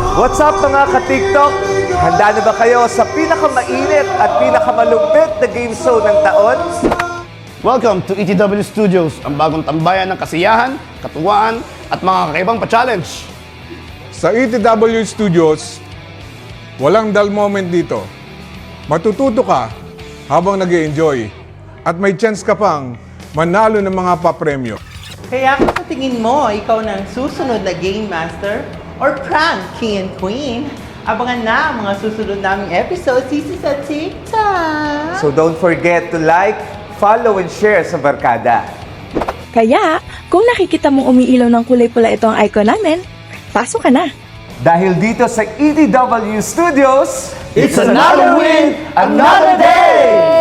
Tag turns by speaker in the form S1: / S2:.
S1: What's up mga ka-TikTok? Handa na ba kayo sa pinakamainit at pinakamalupit na game show ng taon?
S2: Welcome to ETW Studios, ang bagong tambayan ng kasiyahan, katuwaan, at mga kakaibang pa-challenge.
S3: Sa ETW Studios, walang dull moment dito. Matututo ka habang nag-e-enjoy at may chance ka pang manalo ng mga papremyo.
S4: Kaya kung sa tingin mo, ikaw na ang susunod na Game Master or Prank King and Queen, abangan na ang mga susunod naming episodes dito sa TikTok.
S1: So don't forget to like, follow, and share sa Barkada.
S5: Kaya, kung nakikita mong umiilaw ng kulay pula ito ang icon namin, pasok ka na.
S1: Dahil dito sa ETW Studios,
S2: It's another win, another day!